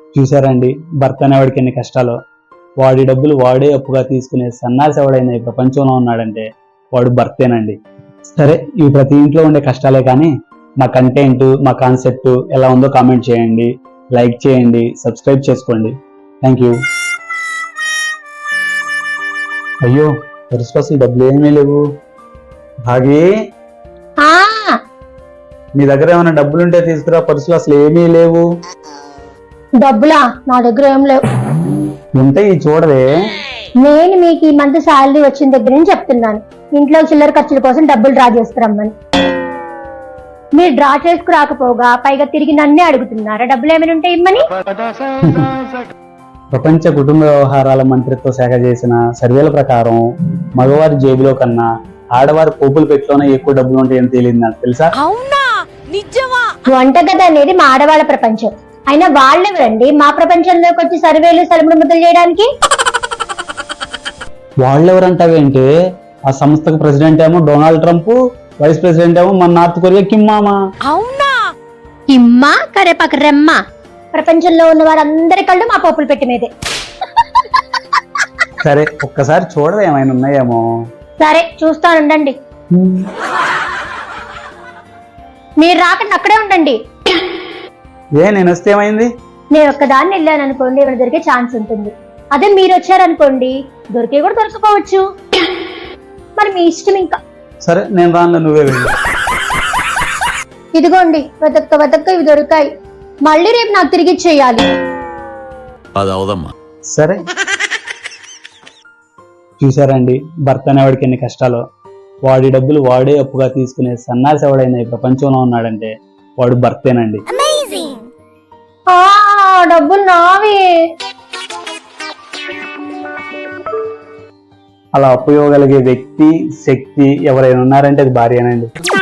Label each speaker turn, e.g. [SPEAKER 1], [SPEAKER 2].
[SPEAKER 1] చూసారండి, భర్త అనేవాడికి ఎన్ని కష్టాలు. వాడి డబ్బులు వాడే అప్పుగా తీసుకునే సన్నాసి ఎవడైనా ఈ ప్రపంచంలో ఉన్నాడంటే వాడు భర్తేనండి. సరే, ఇవి ప్రతి ఇంట్లో ఉండే కష్టాలే, కానీ మా కంటెంట్, మా కాన్సెప్ట్ ఎలా ఉందో కామెంట్ చేయండి, లైక్ చేయండి, సబ్స్క్రైబ్ చేసుకోండి. Thank you. అయ్యో, పర్సులో అసలు డబ్బులు ఏమీ లేవు. భాగి, నీ దగ్గర ఏమైనా డబ్బులుంటే తీసుకురా, పర్సులో అసలు ఏమీ లేవు.
[SPEAKER 2] డబ్బులా? నా దగ్గర ఏం లేవు.
[SPEAKER 1] ఉంటే చూడవే.
[SPEAKER 2] నేను మీకు ఈ మంత్ శాలరీ వచ్చిన దగ్గర నుంచి చెప్తున్నాను, ఇంట్లో చిల్లర ఖర్చుల కోసం డబ్బులు డ్రా చేసుకురమ్మని. మీరు డ్రా చేసుకురాకపోగా పైగా తిరిగి నన్నే అడుగుతున్నారా డబ్బులు ఏమైనా ఉంటే ఇమ్మని.
[SPEAKER 1] ప్రపంచ కుటుంబ వ్యవహారాల మంత్రిత్వ శాఖ చేసిన సర్వేల ప్రకారం మగవారి జేబులో కన్నా ఆడవారి పోపుల పెట్టిలోనే ఎక్కువ డబ్బులు ఉంటాయని తేలింది. నాకు తెలుసా?
[SPEAKER 2] వంటగది అనేది మా ఆడవాళ్ళ ప్రపంచం. అయినా వాళ్ళెవరండి మా ప్రపంచంలోకి వచ్చి సర్వేలు సలుముడు ముద్దలు చేయడానికి?
[SPEAKER 1] వాళ్ళెవరంటావేంటే, ఆ సంస్థకు ప్రెసిడెంట్ ఏమో డొనాల్డ్ ట్రంప్, వైస్ ప్రెసిడెంట్ ఏమో మన నార్త్ కొరియా కిమ్ మామా.
[SPEAKER 2] అవునా? కిమ్మా కరేపాక రెమ్మ. ప్రపంచంలో ఉన్న వారందరి కళ్ళు మా పోపులు పెట్టి మీదే.
[SPEAKER 1] సరే, ఒక్కసారి చూడవే, ఏమైనా ఉన్నాయేమో.
[SPEAKER 2] సరే, చూస్తానుండండి. మీరు రాకండి, అక్కడే ఉండండి.
[SPEAKER 1] నేను వస్తే ఏమైంది?
[SPEAKER 2] నేను ఒక్కదాన్ని వెళ్ళాను అనుకోండి, ఇక్కడ దొరికే ఛాన్స్ ఉంటుంది. అదే మీరు వచ్చారనుకోండి, దొరికే కూడా దొరకపోవచ్చు. మరి మీ ఇష్టం. ఇంకా
[SPEAKER 1] సరే, నేను రాను, నువ్వే వెళ్ళు.
[SPEAKER 2] ఇదిగోండి, వెతక్క ఇవి దొరికాయి. మళ్ళీ రేపు నాకు తిరిగి ఇచ్చేయాలి.
[SPEAKER 1] సరే. చూసారండి, భర్త అనేవాడికి ఎన్ని కష్టాలు. వాడి డబ్బులు వాడే అప్పుగా తీసుకునే సన్నాసి ఎవడైనా ఈ ప్రపంచంలో ఉన్నాడంటే వాడు భర్తేనండి.
[SPEAKER 2] డబ్బులు నావి.
[SPEAKER 1] అలా అప్పు ఇవ్వగలిగే వ్యక్తి, శక్తి ఎవరైనా ఉన్నారంటే అది భార్యనండి.